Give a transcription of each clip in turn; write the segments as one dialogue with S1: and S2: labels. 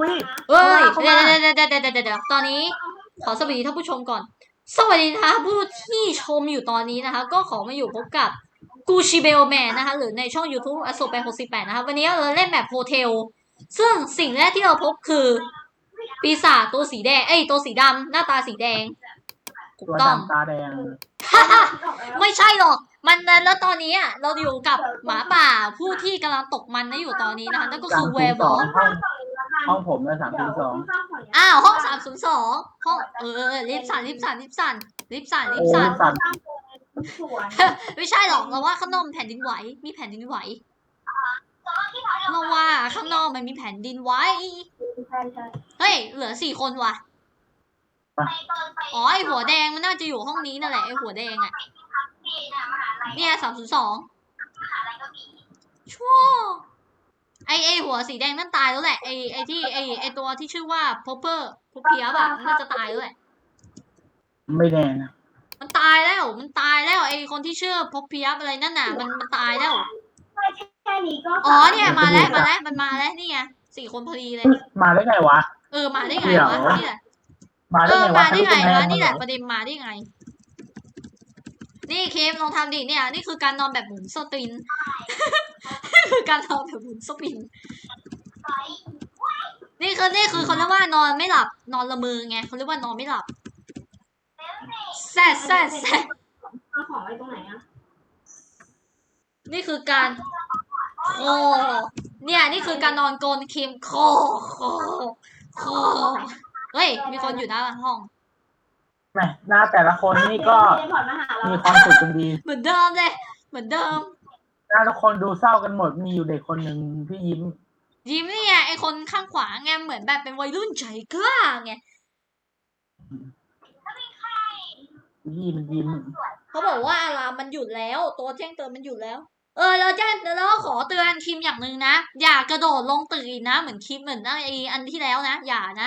S1: วิ
S2: เฮ้ยเดี๋ยวตอนนี้ขอสวัสดีท่านผู้ชมก่อนสวัสดีนะคะผู้ที่ชมอยู่ตอนนี้นะคะก็ขอมาอยู่พบกับกูชิเบลแมนนะคะหรือในช่อง YouTube อโศกแปด68นะคะวันนี้เราเล่นแบบโฮเทลซึ่งสิ่งแรกที่เราพบคือปีศาจตัวสีแดงตัวสีดำหน้าตาสีแดงถูกต้อง
S1: ตาแดง
S2: ไม่ใช่หรอกมันแล้วตอนนี้เราอยู่กับหมาป่าผู้ที่กำลังตกมันนะอยู่ตอนนี้นะคะนั่นก็คือแวร์บอล
S1: ห้องผมเลย302
S2: อ้าวห้อง302ห้องลิฟต์สั่นไม่ใช่หรอกเราว่าข้างนอกแผ่นดินไหวมีแผ่นดินไหวเราว่าข้างนอกมันมีแผ่นดินไหวเฮ้ยเหลือ4 คนว่ะอ๋อไอหัวแดงมันน่าจะอยู่ห้องนี้นั่นแหละไอหัวแดงอ่ะเนี่ย302ชั่วไอหัวสีแดงนั่นตายแล้วแหละไอตัวที่ชื่อว่าพอปเปอร์พอเพียบอะน่าจะตายแล้วแหละ
S1: ไม่แน่นะ
S2: มันตายแล้วไอคนที่ชื่อพอเพียบอะไรนั่นน่ะมันตายแล้วอ๋อเนี่ยมาแล้วมันมาแล้วนี่ไง4 คนพอดีเลย
S1: มาได้ไงวะ
S2: มาได้ไงวะนี่แหละ
S1: มาได้ไงวะ
S2: นี่แหละประเด็นมาได้ไงนี่เคมลองทำดิเนี่ยนี่คือการนอนแบบหมุนสปินนี่คือการนอนแบบหมุนสปินนี่คือเขาเรียกว่านอนไม่หลับนอนละเมอไงเขาเรียกว่านอนไม่หลับแซ่
S3: เอาของไว้ตรงไหนอะ
S2: นี่คือการคอเนี่ยนี่คือการนอนโกนเคมคอเฮ้ยมีคนอยู่หน้าห้อง
S1: แหมหน้าแต่ละคนนี่ก็มีความสุขกันดี
S2: เหมือนเดิมเลยเหมือนเดิม
S1: หน้าทุกคนดูเศร้ากันหมดมีอยู่เด็กคนหนึ่งที่ยิ้ม
S2: นี่ไงไอคนข้างขวาไงเหมือนแบบเป็นวัยรุ่นใจกล้าไง
S1: ยิ้ม
S2: เขาบอกว่าอารามมันหยุดแล้วตัวแจ้งเตือนมันหยุดแล้วแล้วขอเตือนคิมอย่างหนึ่งนะอย่ากระโดดลงตึกอีกนะเหมือนคิมเหมือนไออันที่แล้วนะอย่านะ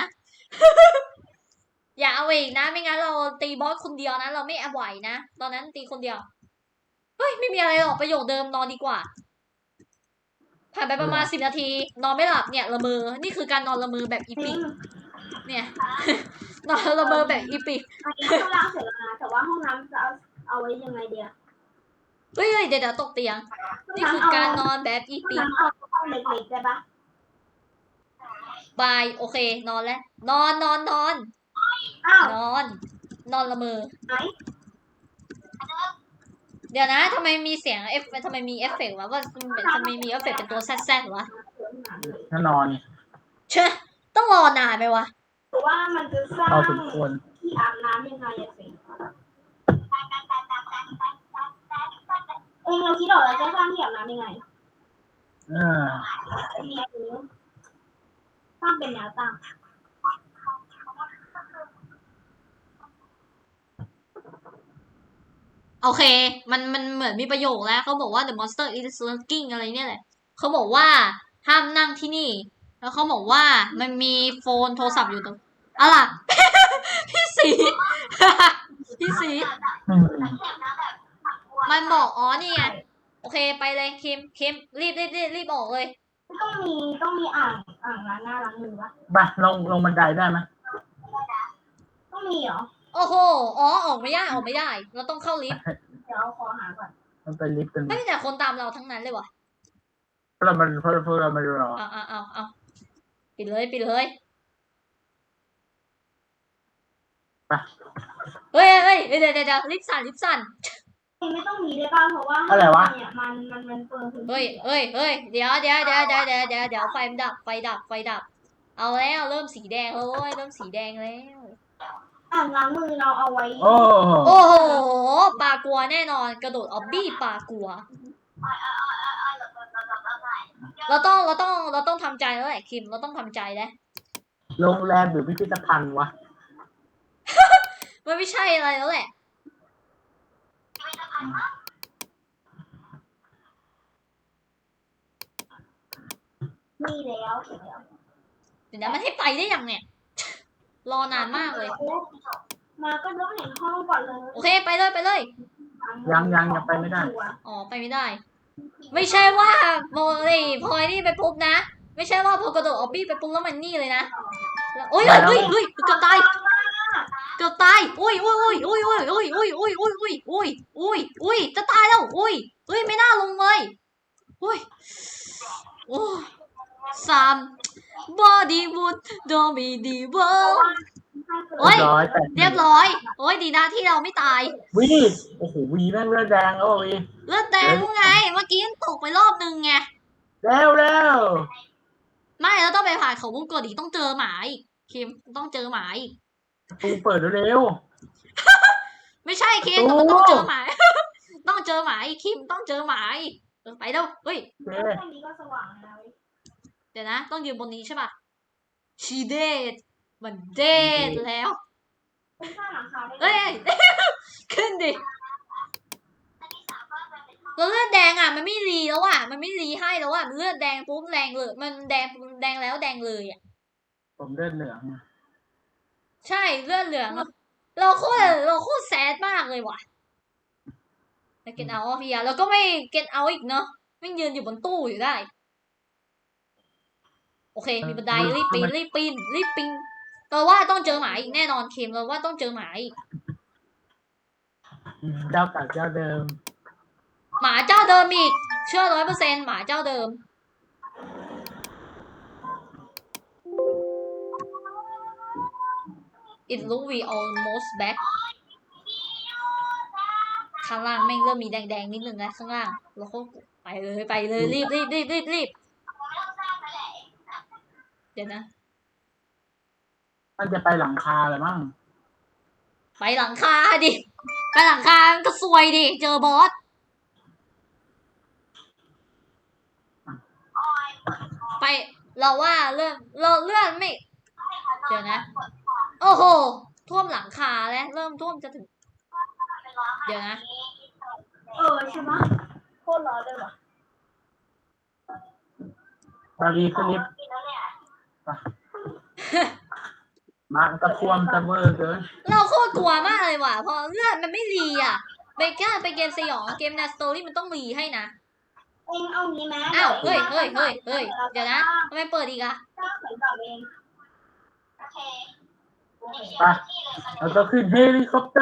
S2: อย่าเอาอีกนะไม่งั้นเราตีบอสคนเดียวนะเราไม่ไหวนะตอนนั้นตีคนเดียวเฮ้ยไม่มีอะไรหรอกประโยคเดิมนอนดีกว่าผ่านไปประมาณ10 นาทีนอนไม่หลับเนี่ยละเมอนี่คือการนอนละเมอแบบอีพิกเนี่ย นอนละเมอแบบอีพิก
S3: ห้องน้ำเสร็จแล้วนะแต่ว่าห้องน้ำจะเอาไว้ยังไงเดียว
S2: เฮ้ยเดี๋ยวตกเตียงนี่คือการนอนแบบอีพิก
S3: เอาห้องเล็กๆได้ปะ
S2: บายโอเคนอนแล้วนอนนอนละเมอเดี๋ยวนะทำไมมีเสียงทำไมมีเอฟเฟกต์วะว่าทำไมมีเอฟเฟกต์เป็นตัวแซ่ดวะ
S1: ถ้านอน
S2: เชื่อต้องรอนานไหมวะ
S3: เพราะว่ามันจะสร้างที่อาบน้ำยังไงอะสิเราคิดออกแล้วจะสร้างที่อาบน้ำยังไงตั้งเป็นแนวตั้ง
S2: โอเคมันเหมือนมีประโยคแล้วเขาบอกว่า the monster is lurking อะไรเนี่ยแหละเขาบอกว่าห้ามนั่งที่นี่แล้วเขาบอกว่ามันมีโฟนโทรศัพท์อยู่ตรงอะไรพี่สีมันบอกอ๋อนี่ไงโอเคไปเลยคิมรีบออกเลย
S3: ต้องมีอ่างล้างหน้าล้างมือวะ
S1: ไปลงบันไดได้ไหม
S3: ต้องมีเหรอ
S2: โอ้โหออกไม่ได้เราต้องเข้าลิฟต์
S3: เดี๋ยวขอหาก่อน
S1: มันไปลิฟต์กัน
S2: ไม่มีแต่คนตามเราทั้งนั้นเลยวะ
S1: เพราะเราไม่รอ
S2: เอาปิดเลยไปเฮ้ยเดี๋ยวลิฟต์สั่น
S3: ไม่ต้องมีได้ป่ะเพราะว่า
S1: อะไรวะ
S3: เนี่ยมันเปิด
S2: เฮ้ยเดี๋ยวไฟดับเอาแล้วเริ่มสีแดงแล้วเริ่มสีแดงแล้ว
S3: อ่างล้างมือเราเอาไว้
S1: โอ้
S2: โหปลากลัวแน่นอนกระโดดออบบี้ปลากลัวเราต้องทำใจแล้วแหละคิมเราต้องทำใจแล้ว
S1: โรงแรมหรือพิพิธภัณฑ์วะ
S2: มันไม่ใช่อะไรแล้วแหละ
S3: มีแล้ว
S2: เดี๋ยวมันให้ไปได้ยังเนี่ยรอนานมากเลย
S3: มาก็ต้องเห็นห้องก่อนเลย
S2: โอเคไปเลย
S1: ยังไปไม่ได้
S2: อ๋อไปไม่ได้ไม่ใช่ว่าโมลี่พลอยนี่ไปปุ๊บนะไม่ใช่ว่าพอกระโดดออบบี้ไปปุ๊บแล้วมันนี่เลยนะโอ้ยเฮ้ยเกือบตายเกือบตายอุ้ยจะตายแล้วอุ้ยไม่น่าลงเลยอุ้ยโอ้3 Bollywood โดมีดีเวิลด์โอ้ย เรียบร้อยโอ้ยดีนะที่เราไม่ตาย
S1: วีโอ้โหวีแม่งเลือดแดงแล้ววี
S2: เลือดแดงไงเมื่อกี้ยังตกไปรอบนึงไง
S1: เร็ว
S2: ไม่เราต้องไปผ่านเขาวงกตอีกต้องเจอหมาอีกคิมต้องเจอหมาอีก
S1: ตูเปิดเร็ว
S2: ไม่ใช่คิมแต่มันต้องเจอหมา ต้องเจอหมาอีกคิมต้องเจอหมาอีกไปเร็วเฮ้ย
S1: โอเค
S3: แค่นี้ก็สว่างแล้ว
S2: เดี๋ยวนะ ต้องยืนบนนี้ใช่ป่ะชีเดดมันเดดแล้ว
S3: เป็นข้างหลังคาได้
S2: เอ้ย ขึ้นดิแล้วเลือดแดงอ่ะมันไม่รีแล้วอ่ะมันไม่รีให้แล้วอ่ะมันเลือดแดงปุ๊บแดงเลยมันแดงแล้วแดงเลยอ่ะ
S1: ผมเลือดเหลือง
S2: ใช่เลือดเหลืองอะเราโคตรแซดมากเลยว่ะแล้วเกตเอาเฮียแล้วก็ไม่เกตเอาอีกเนาะไม่ยืนอยู่บนตู้อยู่ได้ โอเค มีบันไดรีบปีนเราว่าต้องเจอหมาอีกแน่นอนเคมเราว่าต้องเจอหมาอีก
S1: เจ้าเก่าเจ้าเดิม
S2: หมาเจ้าเดิมอีกเชื่อ100%หมาเจ้าเดิม It look we almost back ข้างล่างแม่งเริ่มมีแดงๆนิดนึงแล้วข้างล่างเราก็ไปเลยรีบเดี๋ยวนะ
S1: มันจะไปหลังคาเลยมั้ง
S2: ไปหลังคาดิไปหลังคาก็ซวยดิเจอบอสไปเราว่าเลื่อนไม่ เดี๋ยวนะ โอ้โหท่วมหลังคาแล้วเริ่มท่วมจะถึง เดี๋ยวนะ
S3: ใช่ไหมโคตรร้อนเลยว่ะ
S1: บารีขึ้นลิฟต์มาตะควมตะเวอร์เกิน
S2: เราโคตรกลัวมากเลยว่ะเพราะเลือดมันไม่รีอ่ะไปเกมสยองเกมแนวสตอรี่มันต้องรีให้นะ
S3: เองเอางี้ไหม
S2: อ้าวเฮ้ยเดี๋ยวนะทำไมเปิดอีกอะ
S3: ถ้าเขียนต่อเองโอเค
S1: ไปแล้วก็ขึ้นเฮลิคอปเตอร์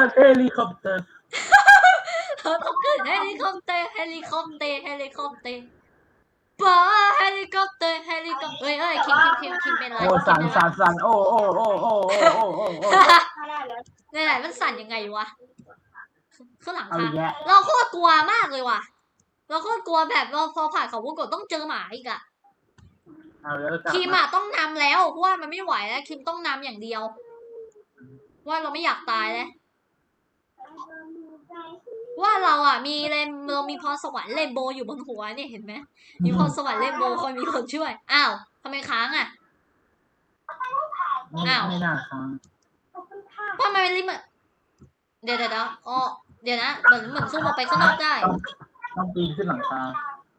S2: เราต้องขึ้นเฮลิคอปเตอร์ป้าเฮลิคอปเตอร์เฮ้ยคิมเป็นอะไร
S1: โอ้สั่นโอ้
S3: ถ้าได้แล้ว
S2: ไหนมันสั่นยังไงวะข้างหลัง
S1: เอา
S2: ค่ะ
S1: อีกแล้ว
S2: เราโคตรกลัวมากเลยว่ะเราโคตรกลัวแบบเราพอผ่านเขาวงกตต้องเจอหมาอีกอะ
S1: เอาแล้วกลับ
S2: คิมอะต้องนำแล้วเพราะว่ามันไม่ไหวแล้วคิมต้องนำอย่างเดียวว่าเราไม่อยากตายแล้วว่าเราอะเรามีพรสวรรค์เรนโบว์อยู่บนหัวเนี่ยเห็นไหมมีพรสวรรค์เรนโบว์คอยมีคนช่วยอ้าวทำไมค้างอะ อ้าว
S1: ไม่น่าค้าง
S2: ทำไมมันลิมิตเดี๋ยวอ๋อเดี๋ยวนะเหมือนซูมออกไปข้างนอกได้
S1: ต้องปีนขึ้นหลังคา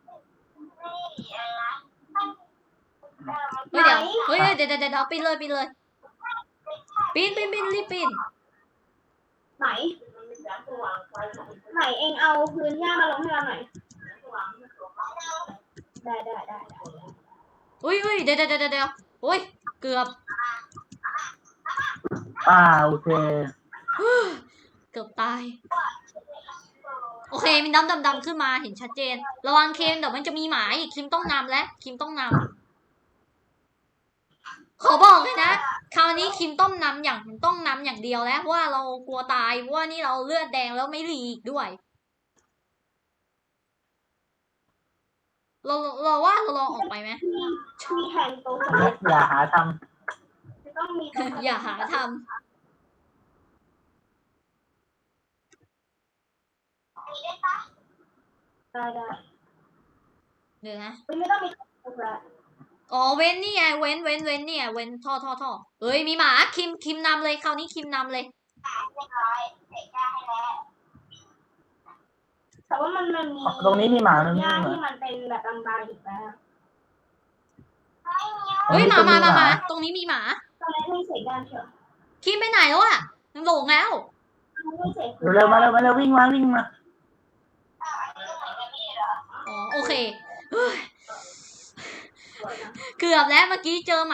S2: เดี๋ยวปีนเลยปีนรีบปีน
S3: ไหนเองเอาพื้นหญ้ามาลงให้เราหน่อยได้
S2: อุ้ยเดี๋ยวโอ้ยเกือบ
S1: โอเค
S2: เกือบตายโอเคมีน้ำดำขึ้นมาเห็นชัดเจนระวังเคนเดี๋ยวมันจะมีหมาอีกคิมต้องนำและคิมต้องนำขอบอกเลยนะคราวนี้คิมต้องนำอย่างเดียวแล้วเพราะว่าเรากลัวตายเพราะว่านี่เราเลือดแดงแล้วไม่รีอีกด้วยเราว่าเราลองออกไปไหม
S3: มีแทนโต๊ะ
S1: อย่าหาท
S3: จะต้องมี
S2: อย่าหาทำ
S3: ได้
S2: เดี๋ยวนะ
S3: ไม่ต้องมีโต๊ะแล้ว
S2: อ๋อเว้นนี่ไงเว้นเนี่ยเว้นท่อเฮ้ยมีหมาคิมนำเลยคราวนี้คิมนำเลย
S3: แต่ว่ามันมี
S1: ำตรงนี้มีหมาตรง
S3: ห
S1: นี้
S3: ญ้า
S1: มีหมา
S3: ที่มันเป็นแบบบางๆอีกแล้ว
S2: เฮ้ย
S1: ตรงนี้
S2: มาตรงนี้มีหมา
S3: ตอนแรกไม่เสร็จกันเถอะ
S2: คิมไปไหนแล้วอ่ะมันหลงแล้ว
S3: ไม่เสร็จ
S1: เร็วมาวิ่งมา
S2: อ๋อโอเคเฮ้ยเกือบแล้วเมื่อกี้เจอ